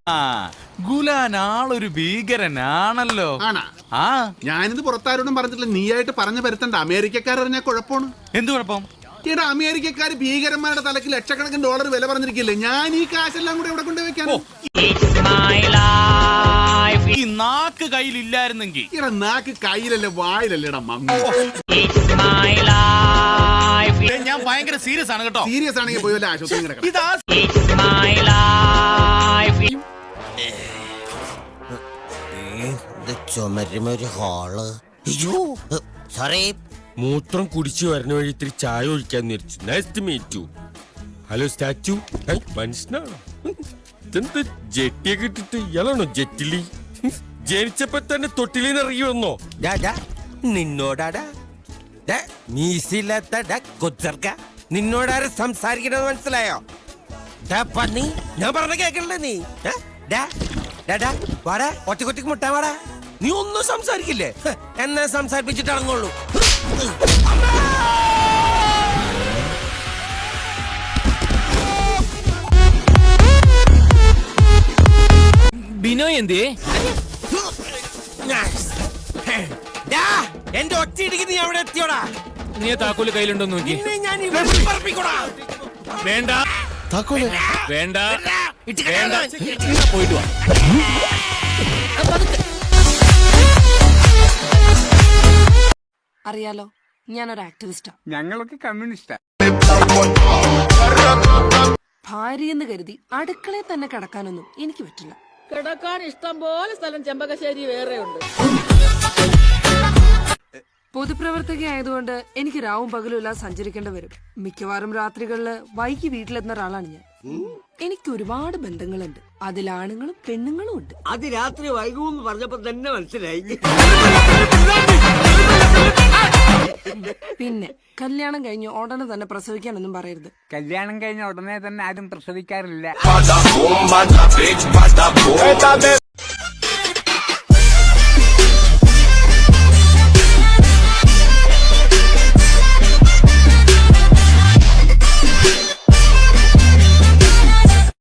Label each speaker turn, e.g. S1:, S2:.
S1: ഗുലാൻ ആളൊരു ഭീകരനാണല്ലോ. ആ
S2: ഞാനിത് പുറത്താരോടും പറഞ്ഞിട്ടില്ല, നീയായിട്ട് പറഞ്ഞു വരുത്തണ്ട. അമേരിക്കക്കാരറിഞ്ഞാൽ കുഴപ്പമാണ്.
S1: എന്ത് കുഴപ്പം?
S2: ഈടാ അമേരിക്കക്കാർ ഭീകരന്മാരുടെ തലക്ക് ലക്ഷക്കണക്കിന് ഡോളർ വില പറഞ്ഞിരിക്കില്ലേ? ഞാൻ ഈ കാശെല്ലാം കൂടെ ഇവിടെ കൊണ്ടുവയ്ക്കാനോ?
S1: ഈ നാക്ക് കയ്യിലില്ലായിരുന്നെങ്കിൽ.
S2: ഈടാ നാക്ക് കയ്യിലല്ലേ വായിലല്ലേ ഇടാ മമ്മി.
S1: ഞാൻ ഭയങ്കര സീരിയസ് ആണ് കേട്ടോ.
S2: സീരിയസ് ആണെങ്കിൽ പോയി വല്ല ആശുപത്രി കിടക്കാം.
S3: ചുമരുമൊരു ഹാള്. സോറി, മൂത്രം കുടിച്ചു വരുന്ന വഴി ഇത്തിരി ചായ ഒഴിക്കാൻ വിചാരിച്ചു. Nice to meet you. Hello statue. മനുഷ്യനാണോ? ഇതെന്താ ജെട്ടിയൊക്കെ ഇട്ടിട്ട്? ഇയാളാണോ ജെറ്റിലി? ജനിച്ചപ്പോ തന്നെ തൊട്ടിലിന്ന് ഇറങ്ങി വന്നോ? നിന്നോടാടാ മീസില്ലാത്ത കൊച്ചർക്ക, നിന്നോടാരെ സംസാരിക്കണമെന്ന് മനസ്സിലായോ? പന്നി, ഞാൻ പറഞ്ഞ കേക്കണ്ടേ നീ? വാടാ, ഒറ്റക്കൊറ്റക്ക് മുട്ടാ വാടാ. നീ ഒന്നും സംസാരിക്കില്ലേ? എന്നെ സംസാരിപ്പിച്ചിട്ട് ഇറങ്ങുള്ളൂ.
S1: ബിനോയ് എന്തേ?
S3: എന്റെ ഒറ്റയിടിക്ക് നീ അവിടെ എത്തിയോടാ?
S1: നീ താക്കോല് കയ്യിലുണ്ടോ നോക്കി.
S3: ഞാൻ
S1: വേണ്ട
S3: താക്കോല്
S1: വേണ്ട വേണ്ട, പോയിട്ട് വാ.
S4: അറിയാലോ, ഞാനൊരു ആക്ടിവിസ്റ്റാ.
S5: ഞങ്ങളൊക്കെ കമ്മ്യൂണിസ്റ്റാ.
S4: ഭാര്യയെന്ന് കരുതി അടുക്കളയിൽ തന്നെ കിടക്കാനൊന്നും എനിക്ക് പറ്റില്ല.
S6: കിടക്കാൻ ഇഷ്ടം പോലെ സ്ഥലം ചെമ്പകശ്ശേരി വേറെയുണ്ട്.
S4: പൊതുപ്രവർത്തക ആയതുകൊണ്ട് എനിക്ക് രാവും പകലും എല്ലാം സഞ്ചരിക്കേണ്ടി വരും. മിക്കവാറും രാത്രികളില് വൈകി വീട്ടിലെത്തുന്ന ഒരാളാണ് ഞാൻ. എനിക്ക് ഒരുപാട് ബന്ധങ്ങളുണ്ട്. അതിൽ ആണുങ്ങളും പെണ്ണുങ്ങളും ഉണ്ട്.
S7: അത് രാത്രി വൈകുമെന്ന് പറഞ്ഞപ്പോ തന്നെ മനസ്സിലായി.
S4: പിന്നെ കല്യാണം കഴിഞ്ഞ് ഉടനെ തന്നെ പ്രസവിക്കാനൊന്നും പറയരുത്.
S5: കല്യാണം കഴിഞ്ഞ ഉടനെ തന്നെ ആരും പ്രസവിക്കാറില്ല.